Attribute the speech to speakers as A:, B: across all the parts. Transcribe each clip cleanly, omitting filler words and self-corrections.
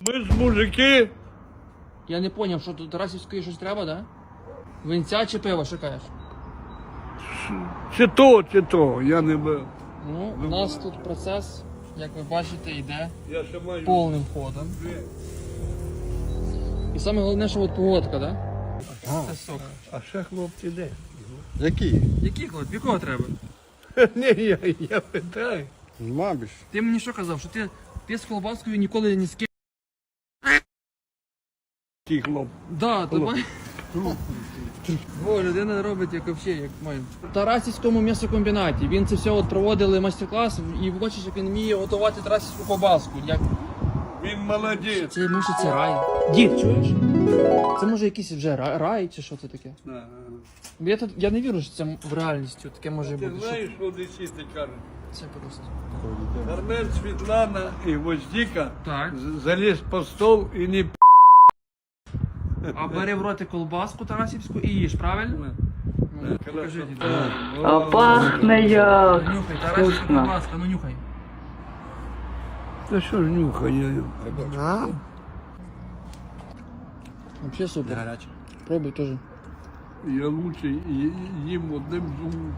A: Ви ж мужики.
B: Я не зрозумів, що тут Тарасівської щось треба, да? Винця чи пиво, що кажеш?
A: Чи то, я не бив.
B: Ну, у нас тут процес, як ви бачите, йде
A: Я ще маю.
B: повним ходом. І саме головне, що от погодка, да? Це сок.
A: А ще хлопці де?
C: Які?
B: Який хлоп? Якого треба?
A: Ні, я питаю.
C: Мабіш.
B: Ти мені що казав, що ти з колбаскою ніколи ні з ким.
A: Ті хлоп.
B: Да, то має. Бо людина робить як взагалі, як має. В Тарасівському м'ясокомбінаті. Він це все от проводили майстер-клас і бачиш, як він вміє готувати тарасівську ковбаску. Як...
A: Він молодець.
B: Це може це рай. Дід, чуєш? Це може якийсь вже рай чи що це таке? Я не вірю, що це в реальності таке може
A: Ти
B: бути.
A: знаєш, що десіти кажуть?
B: Це просто.
A: Армен, Світлана і Воздіка
B: Так.
A: заліз по стол і не
B: А бери в роти колбаску тарасівську і їж, правильно? Ну, покажи, дід.
D: А пахне як.
B: Нюхай, тарасівська колбаска, ну нюхай.
A: Та що ж нюхає?
B: Вообще супер.
C: Гаряче.
B: Пробуй теж.
A: Я лучше їм одним зубом.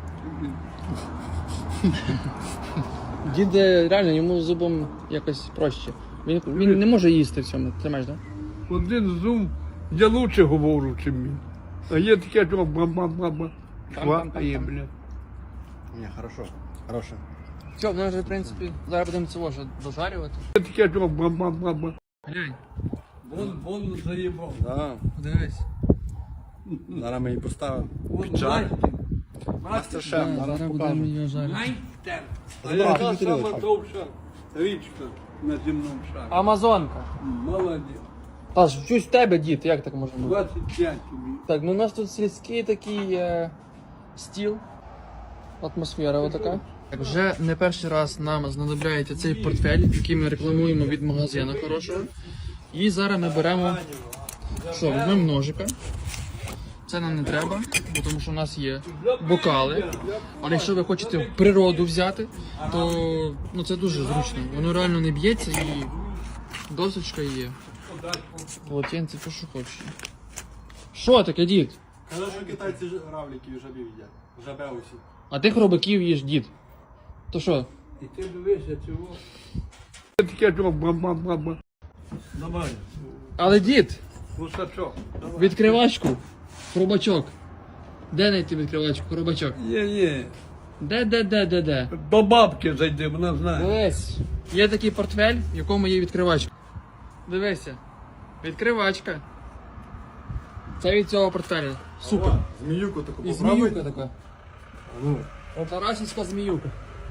B: Дід реально йому зубом якось проще. Він не може їсти в цьому, тримаєш, так?
A: Один зуб, я лучше говорю, чим він. А є таке, що ба-ба-ба-ба. Хватає, блядь.
C: Ні, хорошо. Хороше.
B: Все, в вже, в принципі, зараз будемо цього вже дожарювати.
A: Є таке, що ба-ба-ба-ба.
B: Глянь,
A: Вон заїбав.
C: Да.
B: подивись.
C: Зараз ми її поставимо.
A: Вон
C: Чай.
A: Настя.
C: Мастер-шеф,
B: Да,
C: зараз
B: зараз будемо
C: покажемо.
B: її жарити.
A: Найстер. А яка сама довша річка на земному шарі?
B: Амазонка.
A: Молодець.
B: Та ж, щось в тебе, дід, як так може бути?
A: 25 тобі.
B: Так, ну у нас тут сільський такий стіл, атмосфера отака. Так, вже не перший раз нам знадобляється цей портфель, який ми рекламуємо від магазину хорошого. І зараз ми беремо, що, візьмемо ножика. Це нам не треба, бо тому що у нас є бокали. Але якщо ви хочете в природу взяти, то ну, це дуже зручно. Воно реально не б'ється і досочка є. Полотенце, то що хочеш. Що таке, дід?
C: Казали, що китайці равликів і жабів їдять. Жабе усі.
B: А ти хробаків їш, дід. То що?
A: І ти дивишся цього. Є таке, що ба-ба-ба-ба. Давай.
B: Але дід,
A: Гусачок.
B: відкривачку, хробачок. Де знайти відкривачку, хробачок?
A: Є.
B: Де?
A: До бабки зайди, вона знає.
B: Дивись, є такий портфель, в якому є відкривачка. Дивися, відкривачка. Це від цього портфеля. Супер.
C: Зміюку таку
B: І
C: попробуй.
B: зміюка така. Тарасівська зміюка.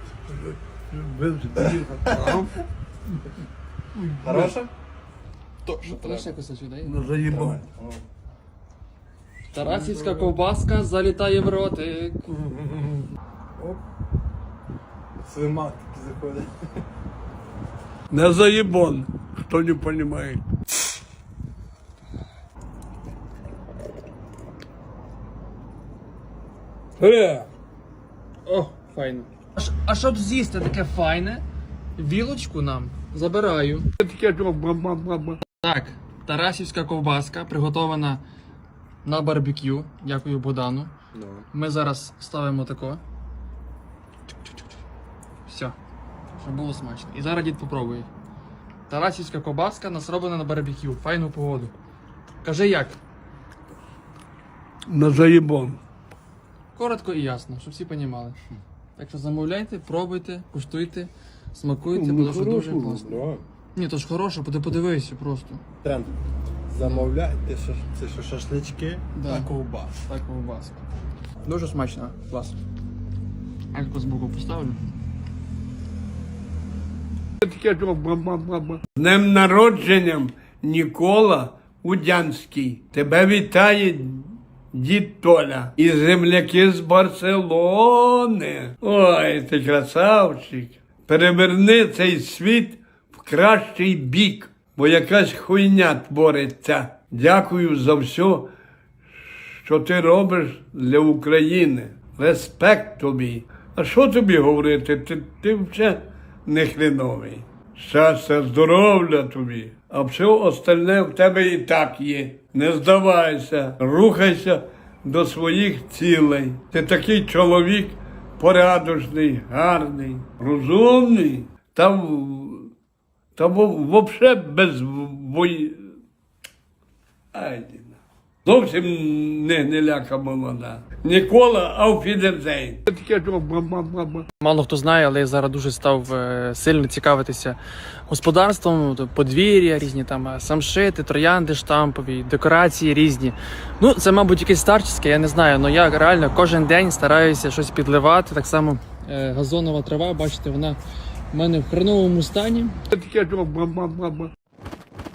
C: Хороше? То, що
B: Ти
C: треба.
B: ще кусочок, дай?
A: Ну заїбав.
B: Тарасівська ковбаска залітає в ротик.
C: Слимак такий заходить.
A: Не заебон, хто не понимает.
B: О, файно. А щоб з'їсти таке файне, вілочку нам забираю.
A: Таке, що ба-ба-ба-ба.
B: Так, тарасівська ковбаска приготована на барбекю. Дякую Богдану. Ми зараз ставимо тако. Все. Щоб було смачно. І зараз дід попробує. Тарасівська ковбаска нас роблена на барбекю. Файну погоду. Кажи як?
A: На заебон.
B: Коротко і ясно, щоб всі розуміли. Так що замовляйте, пробуйте, куштуйте, смакуйте, тому що дуже класно. Ні, то ж хороше, подивися просто.
C: Тренд. Замовляйте, це що шашлички
B: Да.
C: та ковбас.
B: Так, ковбаска. Дуже смачно, клас. Альку збоку поставлю.
A: Таке, що ба-ба-ба-ба. З днем народженням, Нікола Удянський. Тебе вітає дід Толя і земляки з Барселони. Ой, ти красавчик. Переверни цей світ в кращий бік, бо якась хуйня твориться. Дякую за все, що ти робиш для України. Респект тобі. А що тобі говорити? Ти вже не хреновий. Щастя, здоров'я тобі. А все остальне в тебе і так є. Не здавайся, рухайся до своїх цілей. Ти такий чоловік порядочний, гарний, розумний, та взагалі без бої. Ай, зовсім не ляка молода. Нікола Ауфідерзейн. Таке що ба-ба-ба-ба.
B: Мало хто знає, але я зараз дуже став сильно цікавитися господарством, подвір'я, різні там самшити, троянди штампові, декорації різні. Ну, це, мабуть, якесь старчеське, я не знаю, але я реально кожен день стараюся щось підливати. Так само газонова трава, бачите, вона в мене в хреновому стані.
A: Таке що ба-ба-ба-ба.